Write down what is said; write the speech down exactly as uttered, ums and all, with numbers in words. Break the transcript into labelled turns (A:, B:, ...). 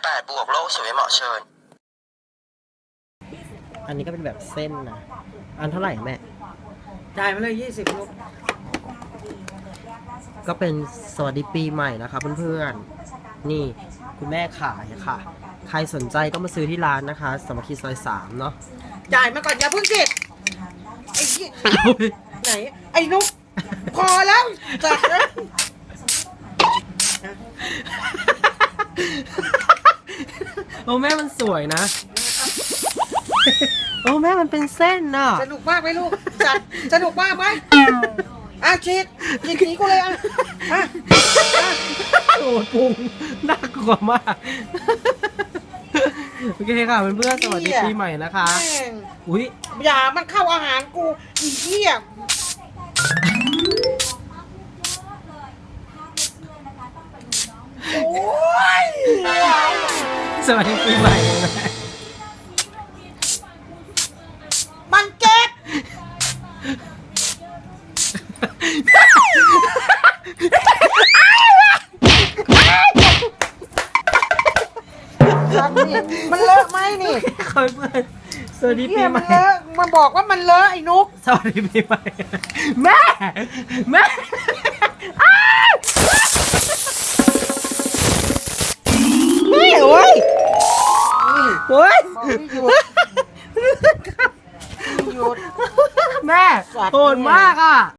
A: แปดบวกโลกสวยเหมาะเชิญ
B: อันนี้ก็เป็นแบบเส้นนะอันเท่าไหร่แม่
C: จ่ายมาเลยยี่สิบลูก
B: ก็เป็นสวัสดีปีใหม่นะคะเพื่อนๆนี่คุณแม่ขายค่ะใครสนใจก็มาซื้อที่ร้านนะคะสามัคคีซอยสามเนาะ
C: จ่ายมาก่อนอย่าเพิ่งสิไอ้ยี่ไหนไอ้นุ๊กพอแล้วจัดเลย
B: โอ้แม่มันสวยนะโอ้แม่มันเป็นเส้นน่ะ
C: สนุกมากไหมลูกจัดสนุกมากไหมอ่ะฉีดฉีดนี้กูเลยอ่ะอ่ะ
B: โอ้พุงน่ากลัวมากโอเคค่ะเพื่อนๆสวัสดีปีใหม่นะคะอุ้ย
C: อย่ามันเข้าอาหารกูอีเหี้ยโอ้ย
B: สวัสดีปีใหม่
C: มันเก็บมันเลอะไหมนี่
B: คอยเพื่อนสวัสดีปีใหม่
C: มันเลอะมันบอกว่ามันเลอะไอ้นุ๊ก
B: สวัสดีปีใหม่แม่แม่ไม่โอ้ยโอ้ย
C: หยุด
B: แม่โหดมากอ่ะ